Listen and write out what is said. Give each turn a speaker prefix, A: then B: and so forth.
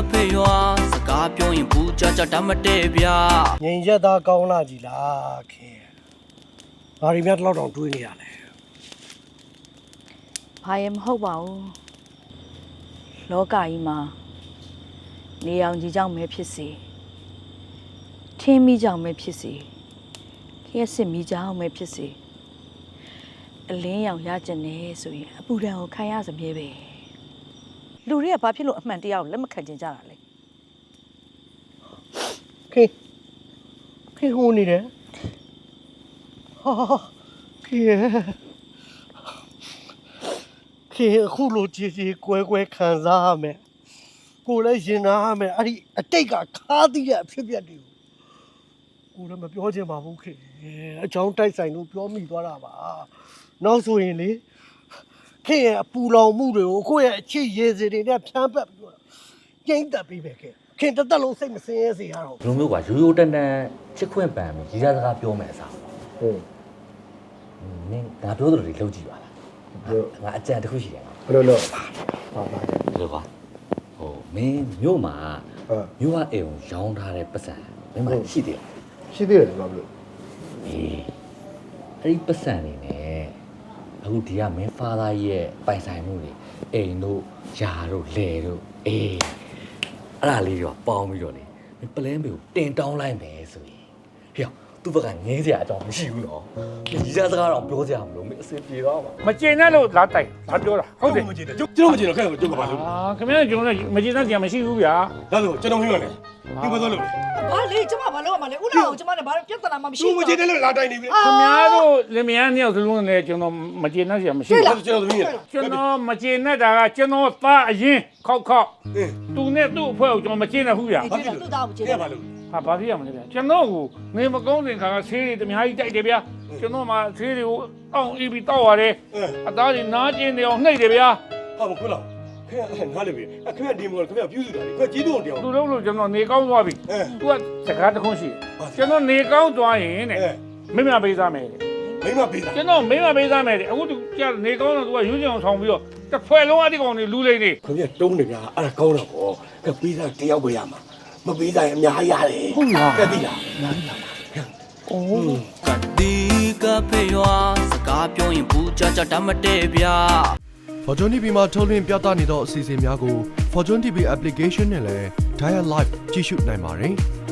A: ဖေရွာစကားပြောရင်ဘူးကြတတ်မတည့်ဗျာငင်ရက်သားကောင်းလာကြီးလားခင်ဘာရီမြတ်တော့တောင်တွေးနေရလဲ
B: ဘာရင်မဟုတ်ပါဘူးလောကကြီးမှာနေအောင်ကြီးကြောင့်ပဲဖြစ်စေထင်းမိကြောင့်ပဲဖြစ်စေခရက်စစ်မိကြောင့်ပဲဖြစ်စေအလင်းရောင်ရကျင်နေဆိုရင်အပူဒဏ်ကိုခံရစမြဲပဲလူတွေကဘာဖြစ်လို့အမှန်တရားကိုလက်မခံကြကြတာလဲ
A: ခေဟိုနေတယ်ဟာခေအခုလိုကြည်ကြည်ကွဲခံစားရမယ်ကိုလည်းရင်နာရမယ်အဲ့ဒီအတိတ်ကခါးသီးတဲ့အဖြစ်ပြက်တွေကိုလည်းမပြောချင်ပါဘူးခေအချောင်းတိုက်ဆိုင်လို့ပြောမိသွားတာပါနောက်ဆိုရင်လေခေရဲ့အပူလောင်မှုတွေကိုကိုယ့်ရဲ့အချစ်ရေစီတွေနဲ့ဖြန်းပတ်ပြီးတော့ကျိမ့်တက်ပြီးပဲခေတသက်လုံးစိတ်မစင်းရဲစေရတော့
C: ဘလိုမျိုးကရိုးရိုးတန်တန်ချစ်ခွင့်ပန်ပြီးရေးစားစကားပြောမယ်အစားဟုတ်နင်ငါပြောသလိုတွေလုပ်ကြည့်ပါလားငါအကြံတစ်ခုရှိတယ်
A: ဘယ်လိုလုပ်
C: ဒီလိုပါဟိုမင်းမြို့မှာမြို့ကအိမ်ကိုရောင်းထားတဲ့ပတ်စံမင်းမရှိသေးဘူး
A: ရှိသေးတယ်ဘာလို့
C: အေးအဲ့ဒီပတ်စံနေနဲ့အခုဒီကမင်းဖာသားရဲ့ပိုင်ဆိုင်မှုတွေအိမ်တို့ယာတို့လယ်တို့အေးအဲ့ဒါလေးတော့ပေါင်းပြီးတော့လေပလင်းပေကိုတင်တောင်းလိုက်မယ်ဆိုရင်ဟေ့သူ့ဘက်ကငင်းစရာအကြောင်းမရှိဘူးနော်ဒီစားစကားတော့ပြောစရာမလိုမင်းအစစ်ပြေတော့မှာ
D: မကျင်နဲ့လို့လာတိုက်လာပြောတာဟုတ်တယ်
E: မကျင်တယ်ကျွန်တော်မကျင်တော့ခဲ့တော့ကျွန်တော်ဘာလုပ်
D: ခင်ဗျားကျွန်တော်မကျင်တဲ့ကြံမရှိဘူးဗျာ
E: ဒါဆိုကျွန်တော်မင်းပါနဲ့ဒီဘက်သွားလို့
F: ဘာလဲကျမဘာလို့မလဲဦးလောင်ကျမနဲ့ဘာပြဿနာမှမရှိ
E: ဘူးသူမကျင်တယ်လို့လာတိုက်နေပြီ
D: ခင်ဗျားတို့လင်မယားနှစ်ယောက်စလုံးနဲ့ကျွန်တော်မကျင်တဲ့ကြံမရှိဘူး
E: ကျွန်တော်သမီးရ
D: ကျွန်တော်မကျင်တဲ့တာကကျွန်တော်သားအရင်ခောက်သူနဲ့သူ့အဖွဲ့ကိုကျွန်တော်မကျင်တဲ့ဘူးဗျာ
F: ဘာဖြစ်လို့သူ့သားကိုမကျင်တယ်
E: ဘာလို့
D: ဟာဘာဖြစ်ရမလဲဗျာကျွန်တော်ကိုနေမကောင်းတဲ့ခါကဆေးတွေတများကြီးတိုက်တယ်ဗျာကျွန်တော်မှဆေးတွေကိုတောင်းအီးပြီးတောက်ရတယ်အသားတွေနားကျင်နေအောင်နှိပ်တယ်ဗျာ
E: ဟာမခွလားခင်ဗျာငါလည်းပြီခင်ဗျာဒီမောခင်ဗျာပြုစုတာလေခင်ဗျာကြီးတော့တရား
D: သူတို့လို့ကျွန်တော်နေကောင်းသွားပြီသူကစကားတခွန်းရှိကျွန်တော်နေကောင်းသွားရင်တဲ့မိမပေးစားမယ်တဲ့
E: မိမပေးစား
D: ကျွန်တော်မိမပေးစားမယ်တဲ့အခုသူကြာနေကောင်းတော့သူကရွှေချောင်ဆောင်ပြီးတော့တစ်ဖွဲ့လုံးအတိကောင်တွေလူလိမ့်နေ
E: ခင်ဗျာတုံးနေဗျာအဲ့ဒါကောင်းတော့ဗောခင်ပေးစားတယောက်ပဲရမှာမပေးစားရင်အများကြီးရတယ်
D: ဟုတ်လား
E: ကတိလား
D: အများကြီးလားအိုး
A: ကတိကဖေရွာစကားပြောရင်ဘူးကြတတ်မတည့်ဗျာ
G: Fortune TV မှာထုတ်လွှင့်ပြသနေသောအစီအစဉ်များကို Fortune TV application နဲ့လည်း Dial Live ကြည့်ရှုနိုင်ပါတယ်။